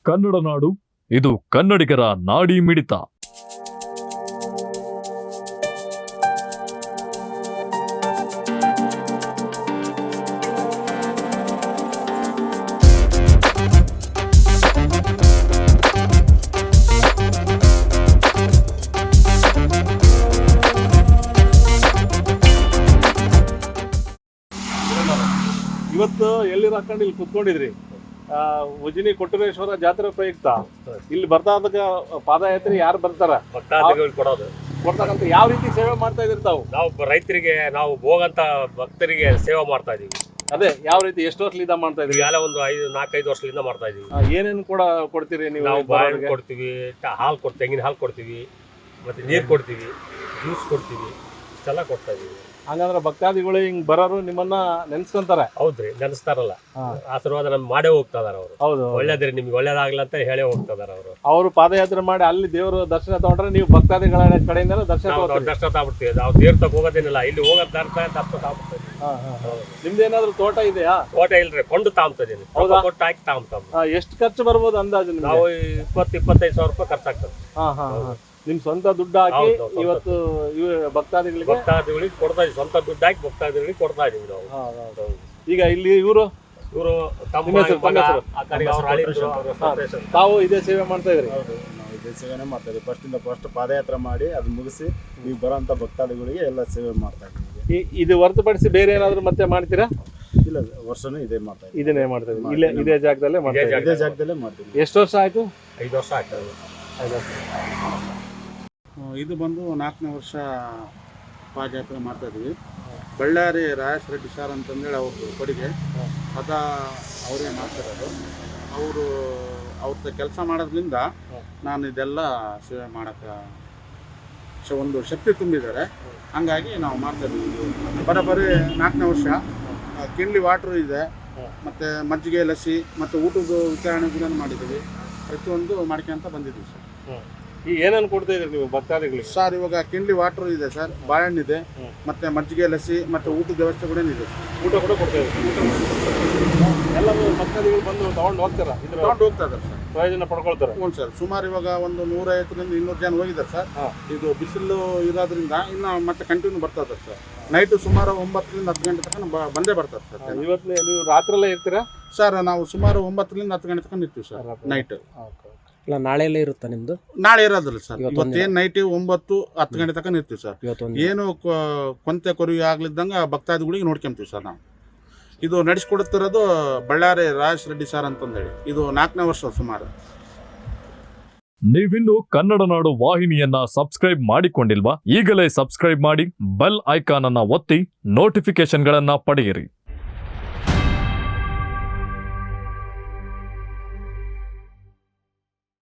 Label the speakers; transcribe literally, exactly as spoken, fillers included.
Speaker 1: ಕನ್ನಡ ನಾಡು, ಇದು ಕನ್ನಡಿಗರ ನಾಡಿ ಮಿಡಿತ.
Speaker 2: ಇವತ್ತು ಎಲ್ಲಿರ ಹಾಕೊಂಡು ಇಲ್ಲಿ ಕುತ್ಕೊಂಡಿದ್ರಿ. ಉಜಿನಿ ಕೊಟ್ಟೂರೇಶ್ವರ ಜಾತ್ರೆ ಪ್ರಯುಕ್ತ ಇಲ್ಲಿ ಬರ್ತಾ ಪಾದಯಾತ್ರೆ ಯಾರು ಬರ್ತಾರ
Speaker 3: ಭಕ್ತಾದಿಗಳು ಕೊಡೋದು
Speaker 2: ಕೊಡ್ತಕ್ಕಂಥ ಯಾವ ರೀತಿ ಸೇವೆ ಮಾಡ್ತಾ ಇದ್ರಿ ತಾವು?
Speaker 3: ನಾವು ರೈತರಿಗೆ ನಾವು ಹೋಗಂತ ಭಕ್ತರಿಗೆ ಸೇವೆ ಮಾಡ್ತಾ ಇದೀವಿ.
Speaker 2: ಅದೇ ಯಾವ ರೀತಿ ಎಷ್ಟು ವರ್ಷದಿಂದ ಮಾಡ್ತಾ ಇದ್ರಿ?
Speaker 3: ಎಲ್ಲ ಒಂದು ಐದು ನಾಲ್ಕೈದು ವರ್ಷದಿಂದ ಮಾಡ್ತಾ ಇದೀವಿ.
Speaker 2: ಏನೇನು ಕೂಡ ಕೊಡ್ತೀರಿ ನೀವು?
Speaker 3: ನಾವು ಬಾಳೆಹಣ್ಣು ಕೊಡ್ತೀವಿ, ಹಾಲು ಕೊಡ್ ತೆಂಗಿನ ಹಾಲು ಕೊಡ್ತೀವಿ, ಮತ್ತೆ ನೀರು ಕೊಡ್ತೀವಿ, ಜ್ಯೂಸ್ ಕೊಡ್ತೀವಿ, ಇಷ್ಟೆಲ್ಲ ಕೊಡ್ತಾ ಇದೀವಿ.
Speaker 2: ಹಂಗಂದ್ರೆ ಭಕ್ತಾದಿಗಳು ಹಿಂಗ್ ಬರೋರು ನಿಮ್ಮನ್ನ ನೆನ್ಸ್ಕೊಂತಾರೆ?
Speaker 3: ಹೌದ್ರಿ, ನೆನೆಸ್ತಾರಲ್ಲ. ಆಶೀರ್ವಾದ ನಮ್ಗೆ ಮಾಡೇ ಹೋಗ್ತಾ ಇದಾರೆ ಅವರು.
Speaker 2: ಹೌದು,
Speaker 3: ಒಳ್ಳೇದ್ರಿ, ನಿಮ್ಗೆ ಒಳ್ಳೇದಾಗ್ಲ ಅಂತ ಹೇಳೇ ಹೋಗ್ತಾ ಇದಾರೆ ಅವರು.
Speaker 2: ಅವರು ಪಾದಯಾತ್ರೆ ಮಾಡಿ ಅಲ್ಲಿ ದೇವರು ದರ್ಶನ ತಗೊಂಡ್ರೆ ನೀವು ಭಕ್ತಾದಿಗಳ ಕಡೆಯಿಂದ ದರ್ಶನ
Speaker 3: ದರ್ಶನ ತಗೊಬಿಡ್ತೀವಿ. ನಾವು ತೀರ್ಥಕ್ಕೆ ಹೋಗೋದೇನಿಲ್ಲ, ಇಲ್ಲಿ ಹೋಗೋದ್ ದರ್ಶನ ದರ್ಶನ ತಗೊಬಿಡ್ತೀವಿ.
Speaker 2: ನಿಮ್ದೇನಾದ್ರು ತೋಟ ಇದೆಯಾ?
Speaker 3: ತೋಟ ಇಲ್ರಿ, ಕೊಂಡು ತಾಂಬ್ತಿದೀನಿ. ಕೊಟ್ಟು ಹಾಕಿ ತಾಂಬ್ತಾವ.
Speaker 2: ಎಷ್ಟು ಖರ್ಚು ಬರ್ಬೋದು ಅಂದಾಜು?
Speaker 3: ನಾವು ಇಪ್ಪತ್ತು ಇಪ್ಪತ್ತೈದು ಸಾವಿರ ರೂಪಾಯಿ ಖರ್ಚಾಗ್ತದೆ.
Speaker 2: ಹಾ ಹಾ ನಿಮ್ ಸ್ವಂತ ದುಡ್ಡು ಹಾಕಿ ಇವತ್ತು ಭಕ್ತಾದಿಗಳಿಗೆ
Speaker 3: ಭಕ್ತಾದಿಗಳಿಗೆ ಕೊಡ್ತಾ ಇದೀವಿ. ಸ್ವಂತ ದುಡ್ಡು ಹಾಕಿ ಭಕ್ತಾದಿಗಳಿಗೆ ಕೊಡ್ತಾ ಇದೀವಿ ನಾವು.
Speaker 2: ಈಗ ಇಲ್ಲಿ ಇವರು
Speaker 3: ಇವರು
Speaker 2: ತಾವು ಇದೇ ಸೇವೆ ಮಾಡ್ತಾ ಇದ್ರಿ?
Speaker 4: ನಾವು ಇದೇ ಸೇವೆನೇ ಮಾಡ್ತಾ ಇದ್ದೀವಿ. ಫಸ್ಟ್ ಇಂದ ಫಸ್ಟ್ ಪಾದಯಾತ್ರೆ ಮಾಡಿ ಅದು ಮುಗಿಸಿ ಈಗ ಬರೋಂಥ ಭಕ್ತಾದಿಗಳಿಗೆ ಎಲ್ಲ ಸೇವೆ ಮಾಡ್ತಾ ಇದ್ದೀವಿ.
Speaker 2: ಇದು ಹೊರತುಪಡಿಸಿ ಬೇರೆ ಏನಾದ್ರು ಮತ್ತೆ ಮಾಡ್ತೀರಾ?
Speaker 4: ಇಲ್ಲ, ವರ್ಷನೂ ಇದೇ ಮಾಡ್ತಾ ಇದ್ದೀವಿ.
Speaker 2: ಇದನ್ನೇ ಮಾಡ್ತಾ ಇದ್ದೀವಿ. ಇಲ್ಲೇ ಇದೇ ಜಾಗದಲ್ಲೇ ಮಾಡ್ತಾ ಇದ್ದೀವಿ.
Speaker 4: ಇದೇ ಜಾಗದಲ್ಲೇ ಮಾಡ್ತೀವಿ.
Speaker 2: ಎಷ್ಟು ವರ್ಷ ಆಯ್ತು?
Speaker 3: ಐದು ವರ್ಷ ಆಗ್ತದೆ.
Speaker 2: ಐದು ವರ್ಷ.
Speaker 5: ಇದು ಬಂದು ನಾಲ್ಕನೇ ವರ್ಷ ಪಾದಯಾತ್ರೆ ಮಾಡ್ತಾ ಇದ್ದೀವಿ. ಬಳ್ಳಾರಿ ರಾಯಸ್ ರೆಡ್ಡಿ ಸರ್ ಅಂತಂದೇಳಿ ಅವ್ರದ್ದು ಕೊಡುಗೆ ಅದ ಅವರೇ ಮಾಡ್ತಿರೋದು. ಅವರು ಅವ್ರದ್ದು ಕೆಲಸ ಮಾಡೋದ್ರಿಂದ ನಾನು ಇದೆಲ್ಲ ಸೇವೆ ಮಾಡೋಕ್ಕೆ ಒಂದು ಶಕ್ತಿ ತುಂಬಿದ್ದಾರೆ. ಹಂಗಾಗಿ ನಾವು ಮಾಡ್ತಾ ಇದ್ದೀವಿ. ಬರೋಬ್ಬರಿ ನಾಲ್ಕನೇ ವರ್ಷ. ಕಿಂಡ್ಲಿ ವಾಟ್ರು ಇದೆ, ಮತ್ತು ಮಜ್ಜಿಗೆ ಲಸಿ ಮತ್ತು ಊಟದ ವಿತರಣೆಗಳನ್ನು ಮಾಡಿದ್ದೀವಿ. ಪ್ರತಿಯೊಂದು ಮಾಡ್ಕೊಂತ ಬಂದಿದ್ದೀವಿ ಸರ್.
Speaker 2: ಈಗ ಏನೇನು ಕೊಡ್ತಾ ಇದ್ರಿ ನೀವು ಭಕ್ತಾದಿಗಳಿಗೆ?
Speaker 5: ಸರ್ ಇವಾಗ ಕಿಂಡ್ಲಿ ವಾಟರ್ ಇದೆ ಸರ್, ಬಾಳೆಹಣ್ಣಿದೆ, ಮತ್ತೆ ಮಜ್ಜಿಗೆ ಲಸಿ ಮತ್ತು ಊಟದ ವ್ಯವಸ್ಥೆ ಕೂಡ ಇದೆ.
Speaker 2: ಊಟ ಕೂಡ ಕೊಡ್ತಾ ಇದ್ರಿ? ಎಲ್ಲ ಭಕ್ತಾದಿಗಳು ಬಂದು ತಗೊಂಡು ಹೋಗ್ತಾರ?
Speaker 5: ತಗೊಂಡು ಹೋಗ್ತಾ ಇದ್ದಾರೆ ಸರ್,
Speaker 2: ಪ್ರಯೋಜನ ಪಡ್ಕೊಳ್ತಾರೆ.
Speaker 5: ಹ್ಞೂ ಸರ್. ಸುಮಾರು ಇವಾಗ ಒಂದು ನೂರೈವತ್ತರಿಂದ ಇನ್ನೂರು ಜನ ಹೋಗಿದ್ದಾರೆ ಸರ್. ಇದು ಬಿಸಿಲು ಇರೋದ್ರಿಂದ ಇನ್ನು ಮತ್ತೆ ಕಂಟಿನ್ಯೂ ಬರ್ತಾ ಇದ್ದಾರೆ ಸರ್. ನೈಟು ಸುಮಾರು ಒಂಬತ್ತರಿಂದ ಹತ್ತು ಗಂಟೆ ತನಕ ಬಂದೇ ಬರ್ತಾರೆ ಸರ್.
Speaker 2: ಇವತ್ತು ನೀವು ರಾತ್ರಿಯಲ್ಲೇ ಇರ್ತೀರಾ
Speaker 5: ಸರ್? ನಾವು ಸುಮಾರು ಒಂಬತ್ತರಿಂದ ಹತ್ತು ಗಂಟೆ ತನಕ ಇರ್ತೀವಿ ಸರ್ ನೈಟ್.
Speaker 6: ಇಲ್ಲ, ನಾಳೆ ಎಲ್ಲ ಇರುತ್ತಾ ನಿಮ್ದು?
Speaker 5: ನಾಳೆ ಇರೋದಿಲ್ಲ ಸರ್. ಇವತ್ತೇನು ನೈಟ್ ಒಂಬತ್ತು ಹತ್ತು ಗಂಟೆ ತನಕ ಇರ್ತೀವಿ ಸರ್. ಏನು ಕೊಂತೆ ಕೊರವಿ ಆಗ್ಲಿದ್ದಂಗೆ ಭಕ್ತಾದಿಗಳಿಗೆ ನೋಡ್ಕೊಂತೀವಿ ಸರ್ ನಾವು. ಇದು ನಡೆಸ್ಕೊಡುತ್ತಿರೋದು ಬಳ್ಳಾರಿ ರಾಯಸ್ ರೆಡ್ಡಿ ಸರ್ ಅಂತಂದೇಳಿ. ಇದು ನಾಲ್ಕನೇ ವರ್ಷ ಸುಮಾರು.
Speaker 1: ನೀವಿನ್ನು ಕನ್ನಡ ನಾಡು ವಾಹಿನಿಯನ್ನ ಸಬ್ಸ್ಕ್ರೈಬ್ ಮಾಡಿಕೊಂಡಿಲ್ವಾ? ಈಗಲೇ ಸಬ್ಸ್ಕ್ರೈಬ್ ಮಾಡಿ, ಬೆಲ್ ಐಕಾನ್ ಅನ್ನ ಒತ್ತಿ ನೋಟಿಫಿಕೇಶನ್ಗಳನ್ನ ಪಡೆಯಿರಿ.